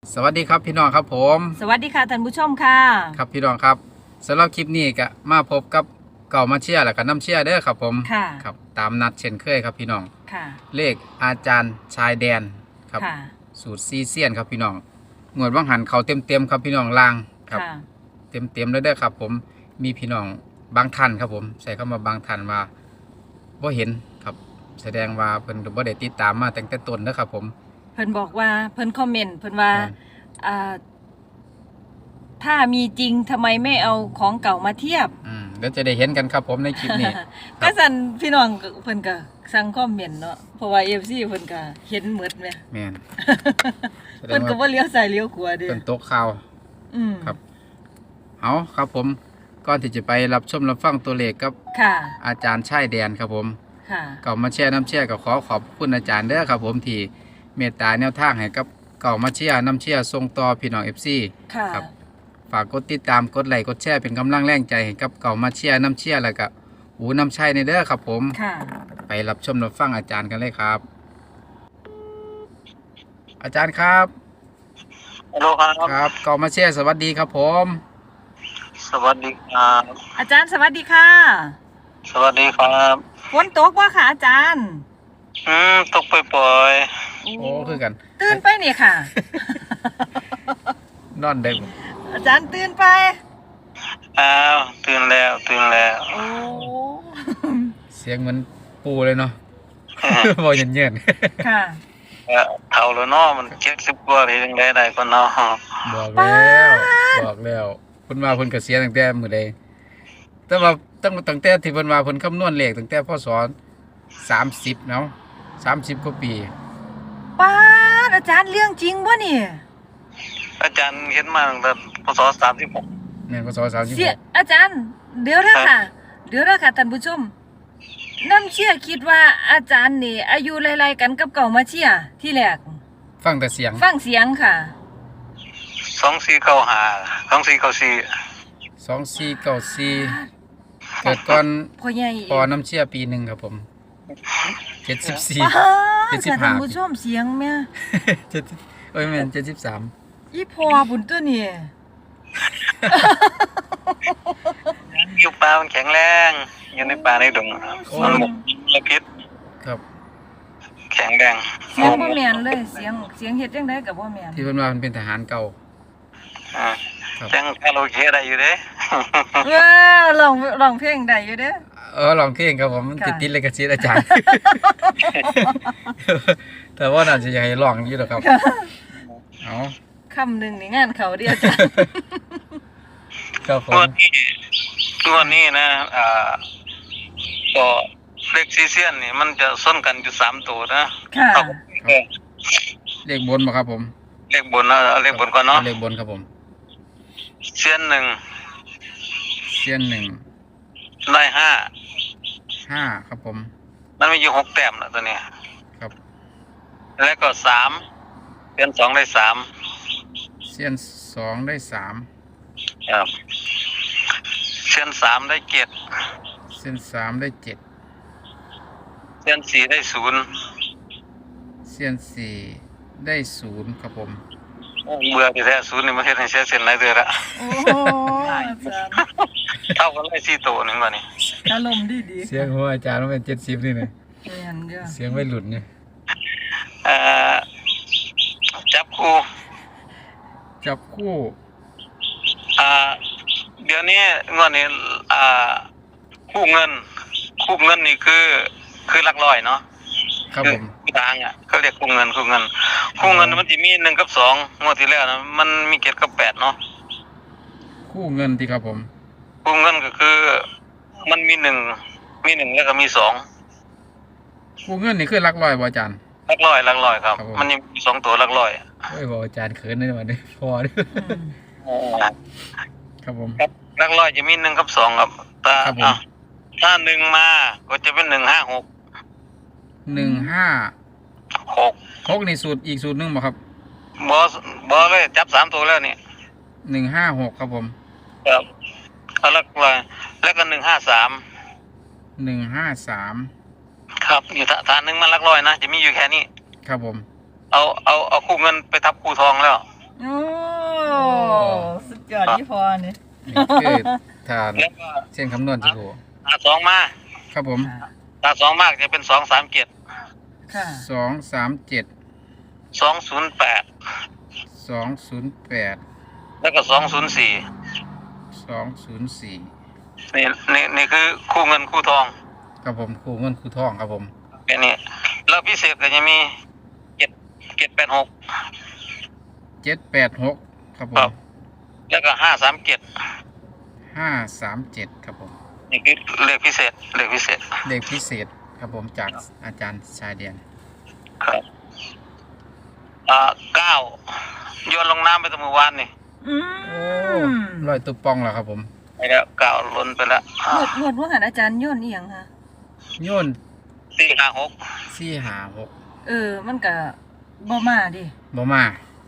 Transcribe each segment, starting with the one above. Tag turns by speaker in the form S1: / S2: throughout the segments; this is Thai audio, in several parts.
S1: สวัสดีครับพี่น้องครับผม
S2: สวัสดีค่ะท่านผู้ชมค่ะ
S1: ครับพี่น้องครับสำหรับคลิปนี้ก็มาพบกับเก่ามาเชียร์และก็น้ำเชียร์เด้อครับผม
S2: ค่ะ
S1: ครับตามนัดเช่นเคยครับพี่น้อง
S2: ค่ะ
S1: เลขอาจารย์ชายแดนครับ
S2: ค่ะ
S1: สูตรซีเซียนครับพี่น้องงวดว่างหันเขาเต็มครับพี่น้องลางครับ
S2: ค่ะ
S1: เต็มเลยเด้อครับผมมีพี่น้องบางท่านครับผมใส่เข้ามาบางท่านว่าบ่เห็นครับแสดงว่าเพิ่นบ่ได้ติดตามมาตั้งแต่ต้นเด้อครับผม
S2: เพิ่นบอกว่าเพิ่นคอมเมนต์เพิ่นว่าอ่าถ้ามีจริงทำไมไม่เอาของเก่ามาเทียบ
S1: เดี๋ยวจะได้เห็นกันครับผมในคลิปนี้
S2: ก็สั่นพี่น้องเพิ่นก็สั่งคอมเมนต์เนาะเพราะว่า FC เพิ่นก็เห็นหมดแหม
S1: แม่น
S2: เพิ่นก็บ่เลี้ยวซ้ายเลี้ยวขวาเด้อ
S1: เป็นโต๊ะข่าวครับเอาครับผมก่อนที่จะไปรับชมรับฟังตัวเลขกับ
S2: ค่ะ
S1: อาจารย์ชายแดนครับผม
S2: ค่ะ
S1: เก่ามาแชร์น้ำเชี่ยก็ขอบคุณอาจารย์เด้อครับผมที่เมตตาแนวทางให้กับเก่ามาเชียร์น้ำเชี่ยส่งต่อพี่น้อง FC
S2: ค่ะ
S1: ครับฝากกดติดตามกดไลค์กดแชร์เป็นกำลังแรงใจให้กับเก่ามาเชียร์น้ำเชี่ยแล้วก็หูน้ำชัยในเด้อครับผม
S2: ค่ะ
S1: ไปรับชมรับฟังอาจารย์กันเลยครับ อาจารย์ครับ
S3: ฮัลโหลครับ
S1: ครับเก่ามาเชียร์สวัสดีครับผม
S3: สวัสดีครับ
S2: อาจารย์สวัสดีค่ะ
S3: สวัสดีครับ
S2: ฝนตกบ่ค่ะอาจารย์
S3: ตกปล่อย
S1: โอ้คือกัน
S2: ตื่นไปนี่ค่ะ
S1: นอนเด็ก
S2: อาจารย์ตื่นไป
S3: ๆอ้าวตื่นแล้ว
S2: โอ้
S1: เสียงเหมือนปูเลยเนาะ บอกเย็น
S2: ค่ะ
S3: เท่าแล้วเนาะมัน70กว่าเลยจังได้ก็เนาะ
S1: ๆบอกแล้วเพิ่นว่าเพิ่นก็เสียตั้งแต่มื้อใดแต่ว่าตั้งแต่ที่เพิ่นว่าเพิ่นคำนวณเลขตั้งแต่พศ30เนาะ30กว่าปี
S2: ป้าดอาจารย์เรื่องจริงบ่นี่
S3: อาจารย์เห็นมาตั้งแต่พศ36
S1: แม่นพศ
S2: เสีย
S1: 36
S2: อาจารย์ เดี๋ยวนะค่ะท่านผู้ชมน้ำเชื่อคิดว่าอาจารย์นี่ อายุไล่ๆกันกับเก่ามาเชื่อที่แรก
S1: ฟังแต่เสียง
S2: ฟังเสียงค่ะ
S3: 2495 2494
S1: 2494เกิดก่อน
S2: พ่อใหญ่
S1: พอน้ำเชี่ยปีหนึงครับผม74
S2: ป้าด
S1: 75
S2: ค่ะท่านผู้ชมเสียงแม่
S1: 70เอ้ยแม่น73
S2: อีพ่อบุญตัวนี่
S3: อยู่ป่ามันแข็งแรงอยู่ในป่าในดงมันหมกมลพิษ
S1: ครับ
S3: แข็งแรง
S2: เสียงบ่แม่นเลยเสียงเฮ็ดจังไดก็บ่แม่น
S1: ที่เพิ่นว่ามันเป็นทหารเก่า
S3: อ่า
S1: ครับ
S3: จังคาราโอเกะได้อยู่เด้
S2: ว้าร้องเพลงได้อยู่เด้อ
S1: ลองเพลงครับผมมัน
S2: ค่ะ
S1: ติดเลยกับชีอาจารย์ แต่ว่าน่าจะอยากให้ลองอยู่หรอกครับเอา
S2: คำหนึงนี่งานเขาเดียวอาจารย์
S1: ครับผ
S3: งว
S1: ม
S3: ดนี้นะก็เลขซีเซียนนี่มันจะส้นกันอยู่3ตัวนะ
S2: ค่ะ
S3: ครับ
S1: เลขบนบ่ครับผม
S3: เลขบนนะเอาเลขบนก่อนเนาะ
S1: เลขบนครับผม
S3: เซียนหนึ่ง
S1: เสี้ยน1
S3: ได้
S1: 5ครับผม
S3: มันมีอยู่6แต้มนะตัวเนี้ย
S1: ครับ
S3: แล้วก็3เซียน2ได้3
S1: เสี้ยน2ได้
S3: ครับเซียน3ได้7
S1: 3เสี้ยน3ได้7
S3: เซียน4ได้0
S1: เสี้ยน4ได้0ครับผม
S3: เบื่อที่แท้0นี่มันเฮ็ดให้เสียเส้นหลายเดือนละ
S2: โอ้โหอาจารย์
S3: เท่ากันเลย4ตัวนึงว่านี่
S2: อารมณ์ดี
S1: เสียงหัวอาจารย์มันเป็น70นี่นะ
S2: ๆแม่นเด้อ
S1: เสียงวัยรุ่นนี่
S3: เอ่อจับคู่
S1: จับคู่
S3: เดี๋ยวนี้งวดนี้คู่เงินนี่คือหลักร้อยเนาะ
S1: ครับผม
S3: คือทางอ่ะเขาเรียกคู่เงินมันจะมี1กับ2งวดที่แล้วนะมันมี7กับ8เนาะ
S1: คู่เงินที่ครับผม
S3: คู่เงินก็คือมันมี1แล้วก็มี2
S1: คู่เงินนี่คือหลักร้อยบ่อาจารย์
S3: หลักร้อยครับ
S1: ครับผม
S3: มันยังมี2ตัวหลักร้อย
S1: เอ้ยบอกอาจารย์เขินได้มาเนี่ยพอเด้อครับผม
S3: ครับหลักร้อยจะมี1กับ2ครับถ้า
S1: ครับผม
S3: ถ้า1มาก็จะเป็น156
S1: 6นี่สูตรอีกสูตรหนึงบ่ครับ
S3: บ่เลยจับ3ตัวแล้วนี่
S1: 156ครับผม
S3: ครับเอาหลักร้อยแล้วก็153
S1: 153
S3: ครับอยู่ฐานหนึ่งมันหลักร้อยนะจะมีอยู่แค่นี้
S1: ครับผม
S3: เอาคู่เงินไปทับคู่ทองแล้ว
S2: โอ้พี่พอเนี่ย
S1: นี่คือทาน
S3: แล้วก็
S1: เส้นคำนวณที่ถูก
S3: ถ้าสองมา
S1: ครับผม
S3: ถ้าสองมากจะเป็น237
S2: ค่ะ
S1: 237
S3: 208
S1: 208
S3: แล้วก็204
S1: 204
S3: นี่คือคู่เงินคู่ทอง
S1: ครับผมครูเงินครูทองครับผม
S3: แค่นี้แล้วพิเศษก็จะมี786
S1: 786ครับผ
S3: ครั
S1: ม
S3: บ แล้วก็537
S1: 537ครับผม
S3: นี่คือเลขพิเศษ
S1: เลขพิเศษครับผมจากอาจารย์ชายเดียน
S3: ครับ9โยนลงน้ำไปตั้งเมื่อวานนี่
S2: อื
S1: โอ้
S2: ม
S1: ลอยตุ๊บปองแล้วครับผม
S3: ไปแล้ว9ล้นไปแล้ว
S2: งวดว่าหันอาจารย์โย่นอีหยังค่ะ
S1: โยน
S3: 456
S1: 456
S2: มันก็บ่มาดิ
S1: บ่มา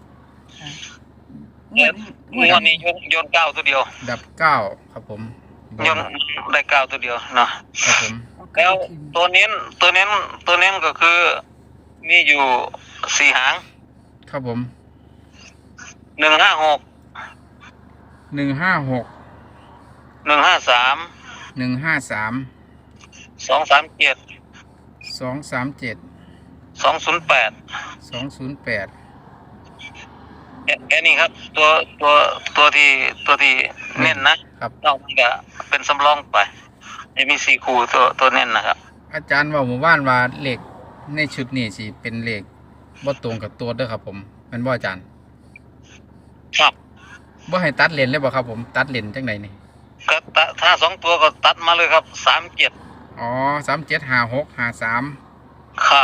S2: งวด
S3: งวดนี้โยน9ตัวเดียว
S1: ดับ9ครับผมบ่
S3: โยนได้9ตัวเดียวเนาะ
S1: ครับผม
S3: แล้วตัวเน้นก็คือมีอยู่4หาง
S1: ครับผม
S3: 156
S1: 156
S3: 153
S1: 153
S3: 237
S1: 237
S3: 208
S1: 208
S3: แค่นี้ครับ ตัวที่เน้นนะครับ นอกนั้นก็เป็นสำรองไปจะมี4คู่ตัวเน้นนะครับ
S1: อาจารย์ว่าหมู่บ้านว่าเลขในชุดนี้สิเป็นเลขบ่ตรงกับตัวเด้อครับผมแม่นบ่อาจารย์
S3: ครับ
S1: บ่ให้ตัดเลนเลยบ่ครับผมตัดเลนจังไดนี่
S3: ก็ถ้า2ตัวก็ตัดมาเลยครับ37
S1: อ๋อ375653
S3: ครับ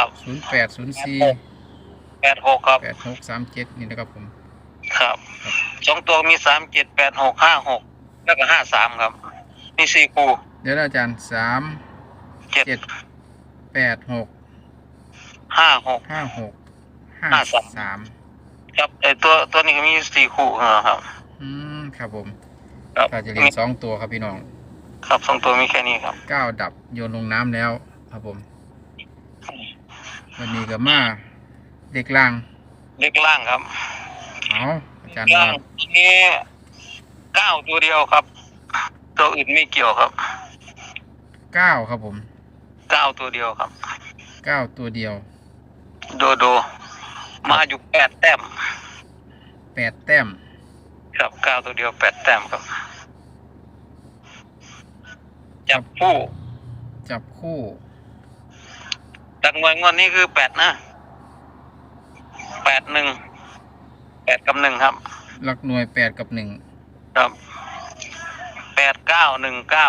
S1: 0804
S3: 86ครับ
S1: 8637นี่นะครับผม
S3: ครับ2ตัวมี37 86 56แล้วก็53ครับมี4คู่
S1: เดี๋ยวนะอาจารย์
S3: 7
S1: 3 7 8 6
S3: 56
S1: 5 6 5 3
S3: ครับตัวนี้ก็มี4คู่ครับ
S1: ครับผม
S3: ครับ
S1: ก็จะเรียน2ตัวครับพี่น้อง
S3: ครับ2ตัวมีแค่นี้ครับ
S1: 9ดับโยนลงน้ำแล้วครับผม วันนี้ก็มาเด็กล่าง
S3: เล็กล่างครับ
S1: เอาอาจารย์
S3: ล่า
S1: ว่าง
S3: ตัวนี้9ตัวเดียวครับ ตัวอื่นไม่เกี่ยวครับ
S1: 9ครับผม
S3: 9ตัวเดียวครับ
S1: 9ตัวเดียว
S3: โดมาอยู่8แต้ม
S1: 8แต้ม
S3: ครับ9ตัวเดียว8แต้มครับจับคู่
S1: จับคู่
S3: ตักมวยงวดนี้คือ8นะ8 1 8กับ1ครับ
S1: หลักหน่วย8กับ1
S3: ครับ8 9 1 9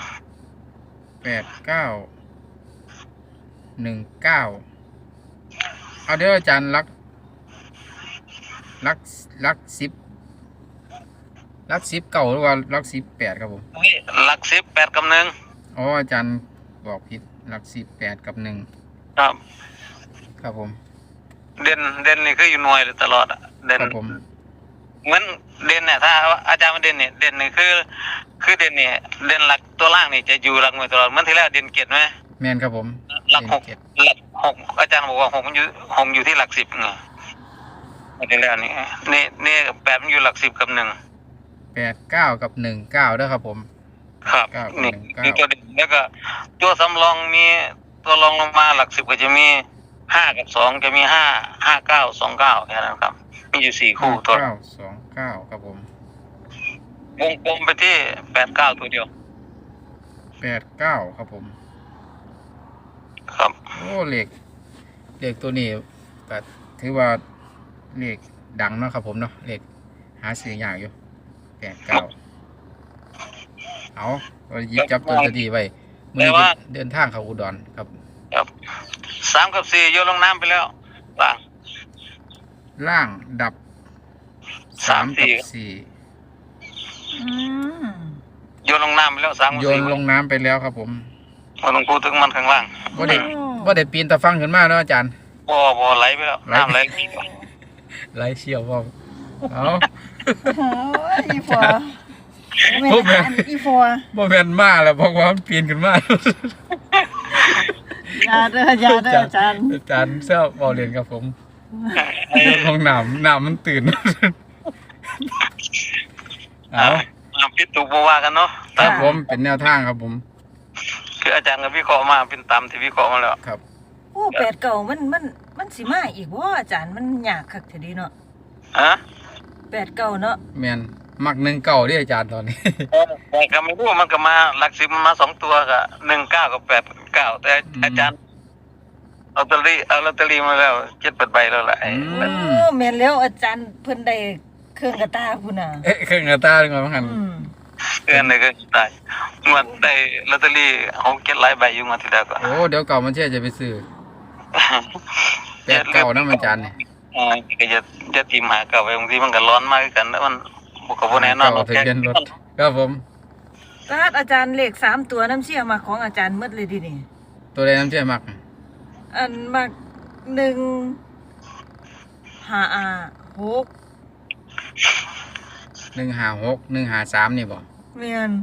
S1: 8 9 1 9เอาเดี๋ยวอาจารย์ลัก10เก่าหรือว่าลัก18ครับผม
S3: นี่หลัก10 8กับ1
S1: อ๋ออาจารย์บอกผิดลัก18กับ1
S3: ครับ
S1: ครับผม
S3: เด่นนี่คืออยู่หน่วยเลยตลอดอะเด่น
S1: ครับผม
S3: เหมือนเด่นเนี่ยถ้าอาจารย์มาเด่นเนี่ยเด่นนี่คือเด่นเนี่ยเด่นหลักตัวล่างนี่จะอยู่หลักหน่วยตลอดเหมื่อนที่แล้วเด่นเกียรติไหม
S1: แม่นครับผม
S3: หลัก
S1: เจ็ด
S3: หลัก6อาจารย์บอกว่า6มันอยู่ที่หลัก10ไงไม่ได้แล้วนี่8มันอยู่หลัก10กับ1
S1: 8 9กับ1 9ด้วยครับผม
S3: ครับ
S1: 9กับ
S3: นี่
S1: 1
S3: นี่ตัวเด่นแล้วก็ตัวสำรองมีตัวรองลงมาหลัก10ก็จะมี5กับ2จะมี5 5 9 2 9แค่นั้นครับมีอยู่4คู่ตัว
S1: 9 2 9ครับผม
S3: วงกลมไปที่89ตัวเดียว
S1: 8 9ครับผม
S3: ครับ
S1: โอ้เลขตัวนี้ก็ถือว่าเลขดังเนาะครับผมเนาะเลขหาซื้อยากอยู่8 9เอาหยิบจับตัวดีไว้มื้อนี้จะเดินทางเข้าอุดรครับ
S3: ครับ3กับ4โยนลงน้ำไปแล้วล่าง
S1: ล่างดับ3กับ
S2: อืม
S3: โยนลงน้ำไปแล้ว3กับ
S1: 4โยนลงน้ำไปแล้วครับผม
S3: 4มันลงพูดถึงมันข้างล่าง
S1: บ่ได้ปีนตะฟังขึ้นมาเนาะอาจารย์
S3: บ่ไหลไปแล้วน้ำไหล
S1: ไหลเชี่ยวพ่อเอา
S2: โอ้ยอีฟัวอีฟัว
S1: บ่แม่นมาแล้วเพราะว่ามันปีนขึ้นมา
S2: อย่าเด้ออาจารย์
S1: อาจารย์เสื้อบ่เรียนครับผมโยนลงน้ำมันตื่นเอา
S3: พิดถูกบ่ว่ากันเนาะ
S1: ครับผมเป็นแนวทางครับผม
S3: คืออาจารย์ก็วิเคราะห์มาเป็นตามที่วิเคราะห์มาแล้ว
S1: ครับ
S2: โอ้8 เก่ามันสิมาอีกบ่อาจารย์มันยากคักเท่านี้เนาะ
S3: ฮะ
S2: 8 เก่าเนาะ
S1: แมนมัก1 เก่าที่อาจารย์ตอนนี้
S3: แต่ก็ไม่รู้มันก็มาหลักสิบมันมา2ตัวก็19กับ89แต่อาจารย์เอาลอตเตอรี่มาแล้ว7-8ใบแล้วล่ะ
S1: อืม
S2: โอ้แม่นแล้วอาจารย์เพิ่นได้เครื่องกระตาพุ่นน่ะ
S1: เครื่องกระตาดีกว่ามั้งหัน
S3: เดือนนึงก็ได้งวดได้ลอตเตอรี่6-7หลายใบอยู่งวดที่แล้วก็
S1: โอ้เดี๋ยวเก่ามันเชื่อจะไปซื้อ8 เก่านะอาจารย์นี่
S3: ก็จะทีมหาเก่าไปบางทีมันก็ร้อนมากคือกันแล้วมันบ่ก็บ่แน่นอน
S1: เก่าทะเบียนรถครับผม
S2: ตาดอาจารย์เลข3 ตัวน้ำเชี่ยมาของอาจารย์หมดเลยดินี่
S1: ตัวใดน้ำเชื่อมัก
S2: อันมัก156
S1: 156 153นี่บ่
S2: แม่น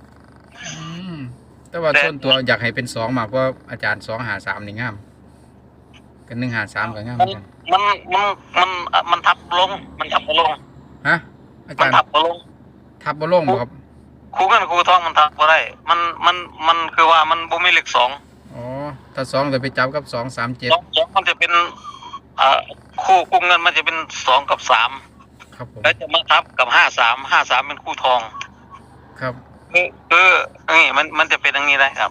S1: แต่ว่าส่วนตัวอยากให้เป็น2มากเพราะอาจารย์253นี่งามกัน153ก็งามเหมือนกัน
S3: มันทับลงมันทับบ่ลง
S1: ฮะอา
S3: มั
S1: จาน รย์
S3: ทับบ่ลง
S1: ทับบ่ลงบ่ครับ
S3: ครูเงินครูทองมันทับบ่ได้มันคือว่ามันบ่มีเลข2
S1: อ๋อถ้า2จะไปจับกับ237
S3: 2มันจะเป็นคู่เงินมันจะเป็น2กับ3
S1: ครับผม
S3: แล้วจะมาทับกับ53เป็นคู่ทอง
S1: ครับ
S3: คือนี่มันจะเป็นอย่างนี้ได้ครับ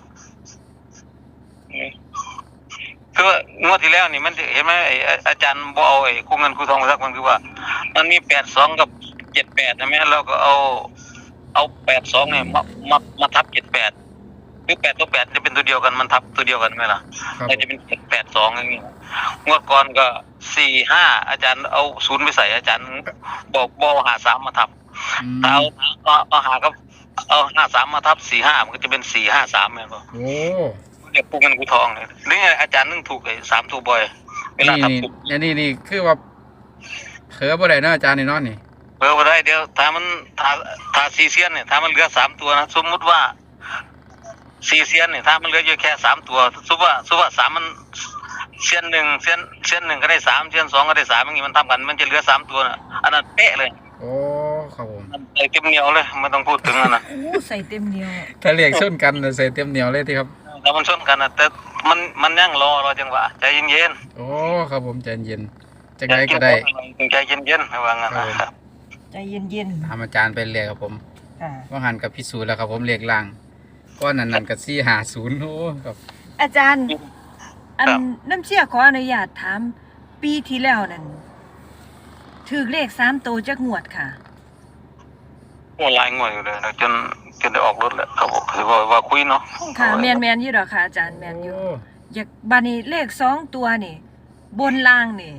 S3: คืองวดที่แล้วนี่มันจะเห็นไหมอาจารย์บ่เอาคู่เงินคู่ทองมาสักมันคือว่า มันมี82กับ78ใช่ไหมเราก็เอา82เนี่ยมาทับ78คือ8ตัว8จะเป็นตัวเดียวกันมันทับตัวเดียวกันไหมล่ะ
S1: ครับ
S3: จะเป็น82อย่างนี้งวดก่อนก็45อาจารย์เอา0ไปใส่อาจารย์บอกหา3มาทับ
S1: อืม
S3: ถ้าเอาหากับเอา53มาทับ45มันก็จะเป็น453แม่นบ่
S1: โอ้
S3: เรียกปูเงินกูทองเนี่ยนี่อาจารย์นึงถูกเลย3ถูกบ่อยเวลาทับถูก
S1: นี่คือว่าเผลอบ่ได้เนาะอาจารย์นี่เนาะนี่
S3: บ่ได้เดี๋ยวถ้า4เซียนเนี่ยถ้ามันเหลือ3ตัวนะสมมุติว่า4เซียนเนี่ยถ้ามันเหลืออยู่แค่3ตัวสมมุติว่า3มันเซียน1เซียน1ก็ได้3เซียน2ก็ได้3อย่างงี้มันทำกันมันจะเหลือ3ตัวน่ะอันนั้นเป๊ะเลย
S1: โอ้ครับผม
S3: มันใส่เต็มเหนียวเลยไม่ต้องพูดถึงอันนั้น
S2: โอ้ใส่เต็มเหนียว
S1: ถ้าเรียกชนกันน่ะใส่เต็มเหนียวเลยที่ครับ
S3: แล้วมันชนกันนะแต่มันยังรอจังหวะใจเย็น
S1: โอ้ครับผมใจเย็น
S3: ๆ
S1: จังไดก็ได้
S3: ใจเย็นๆไม่ว่างั้นนะครับ
S2: ใจเย็น
S1: ตามอาจารย์ไปเรียกครับผม
S2: ๆค่ะ
S1: ว่าหันกับพิสูจน์แล้วครับผมเรียกล่างก็นั่นกับ450โอ้ครับ
S2: อาจารย์ อันน้ำเชี่ยขออนุญาตถามปีที่แล้วนั่นถือเลข3 ตัวจักงวดค่ะ
S3: โอ้ลายงวยอยู่เลยนะจนได้ออกรถแล้วครับผมคือว่าคุยเนาะ
S2: ค่ะแมนอยู่ดอกค่ะอาจารย์แมนอยู่
S1: โอ้
S2: อยากบานี้เลข2 ตัวนี่ บนล่างนี่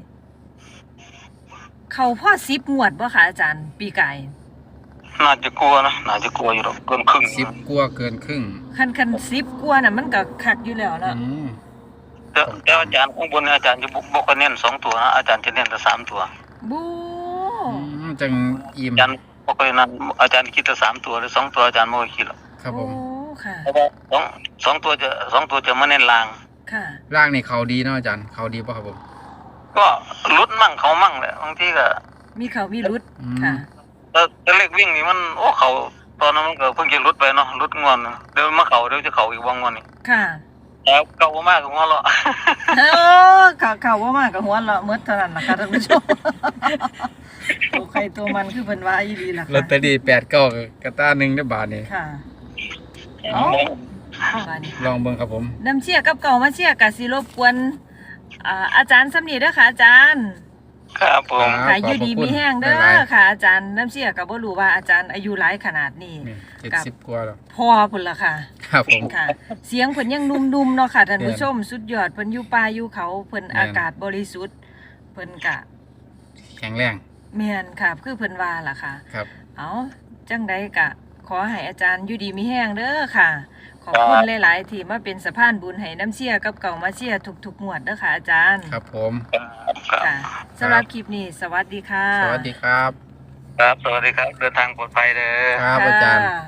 S2: เขาพ่อ10 งวดบ่ค่ะอาจารย์ ปีกาย
S3: น่าจะกลัวนะน่าจะกลัวอยู่หรอกเกินครึ่ง
S1: 10กว่าเกินครึ่ง
S2: คัน10 กว่าน่ะมันก็คักอยู่แล้วเนาะ
S1: อืม
S3: แต่อาจารย์ข้างบนอาจารย์จะบอกว่าเน้น2ตัวนะอาจารย์จะเน้นแต่3ตัว
S2: บู
S1: จังอิ่ม
S3: อาจารย์บอกเลยนั้นอาจารย์คิดแต่3ตัวหรือ2ตัวอาจารย์ไม่คิดหรอก
S1: ครับผ
S2: โอ้
S1: ม
S2: ค่ะ
S3: เพราะว่า2ตัวจะมาเน้นลาง
S2: ค่ะ
S1: ร่างนี่เขาดีเนาะอาจารย์เขาดีป่ะครับผม
S3: ก็ลุดมั่งเขามั่งแหละบางทีก็
S2: มีเขามีรุด
S1: อืม
S2: ค่ะ
S3: แต่เลขวิ่งนี่มันโอ้เขาตอนนั้นมันก็เพิ่งจะลุดไปเนาะลุดงวนเดี๋ยวมาเขาเดี๋ยวจะเขาอีกวงงวนนี่
S2: ค่ะ
S3: แล้วเก่ามากของเรา
S2: โอ้เขาว่ามากกับหัวเราะเมื่อเท่านั้นนะคะท่านผู้ชม ตัวใครตัวมันคือเป็นว่าอีดีล่ะ
S1: ลอตเตอ
S2: ค่ะ
S1: รี่8 9กระตา1ได้บาทนี่
S2: ค่ะเอาบาดนี้
S1: ลองเบิ่งครับผม
S2: น้ำเชี่ยกับเก่ามาเชี่ยกับสิรบกวนอาจารย์สำนีเด้อค่ะอาจารย์
S3: ครับผม
S2: ค่ะอยู่ดีมีแห้งเด้
S1: หลาย
S2: อค่ะ อาจารย์น้ำเชี่ยกับบ่รู้ว่าอาจารย์อายุหลายขนาดนี้
S1: ๆนี่70กว่าแล้ว
S2: พอพุ่นล่ะค่ะ
S1: ครับผม
S2: ค่ะ เสียงเพิ่นยังนุ่มๆเนาะค่ะท่านผู้
S1: แม่น
S2: ชมสุดยอดเพิ่นอยู่ป่าอยู่เขาเพิ่น
S1: แม่น
S2: อากาศบริสุทธิ์เพิ่นกะ
S1: แข็งแรง
S2: แม่นค่ะคือเพิ่นว่าล่ะค่ะ
S1: ครับ
S2: เอาจังใดกะ ขอให้อาจารย์อยู่ดีมีแห้งเด้อค่ะ ขอบคุณหลายๆที่มาเป็นสะพานบุญให้น้ำเชี่ยกับเก่ามาเชี่ยทุกๆงวดเด้อค่ะอาจารย์
S1: ครับผม
S2: ค่ะสำหรับคลิปนี้สวัสดีค่ะ
S1: สวัสดีครับ
S3: ครับสวัสดีครับเดินทางปลอดภัยเด้อ
S1: ครับอาจารย์
S2: ค่ะ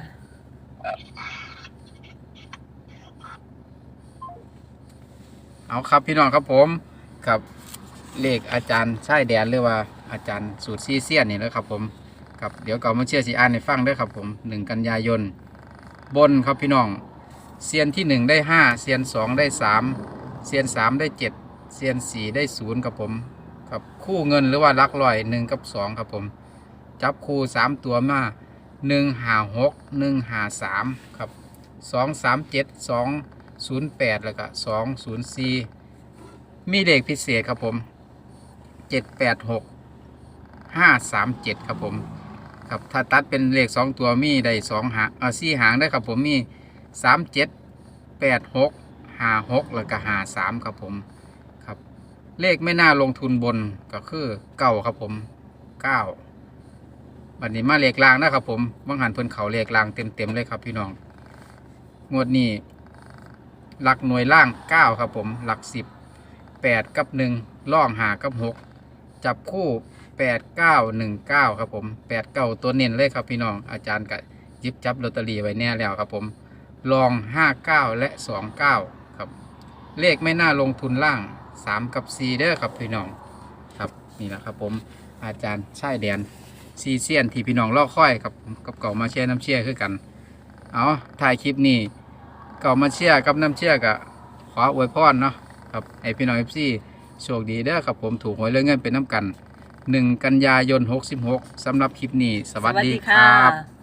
S1: เอาครับพี่น้องครับผมกับเลขอาจารย์ชายแดนหรือว่าอาจารย์สูตรซีเซียนนี่แหละครับผมครับเดี๋ยวเก่ามาเชื่อสิอ่านให้ฟังเด้อครับผม1 กันยายนบนครับพี่น้องเซียนที่1ได้5เซียน2ได้3เซียน3ได้7เซียน4ได้0ครับผมครับคู่เงินหรือว่าหลักร้อย1กับ2ครับผมจับคู่3ตัวมา156 153ครับ237 208แล้วก็204มีเลขพิเศษครับผม786 537ครับผมครับถ้าตัดเป็นเลข2ตัวมีได้2หาง4หางได้ครับผมมี37 86 56แล้วก็53ครับผมครับเลขไม่น่าลงทุนบนก็คือ9ครับผม9บัดนี้มาเลขล่างนะครับผมบางหันเพิ่นเขาเลขล่างเต็มเลยครับพี่น้องงวดนี้หลักหน่วยล่าง9ครับผมหลัก10 8กับ1ล่อง5กับ6จับคู่8919ครับผม89ตัวเน้นเลยครับพี่น้องอาจารย์ก็หยิบจับลอตเตอรี่ไว้แน่แล้วครับผมลอง59และ29ครับเลขไม่น่าลงทุนล่าง3กับ4เด้อครับพี่น้องครับนี่แหละครับผมอาจารย์ชายแดนซีเซียนที่พี่น้องรอค่อยครับกับเก่ามาเชียร์น้ำเชียร์คือกันเอาถ่ายคลิปนี้เก่ามาเชียร์กับน้ำเชียร์ก็ขออวยพรเนาะครับให้พี่น้อง FC โชคดีเด้อครับผมถูกหวยเรื่องเงินเป็นน้ำกัน1 กันยายน66สำหรับคลิปนี้สวัสดีครับ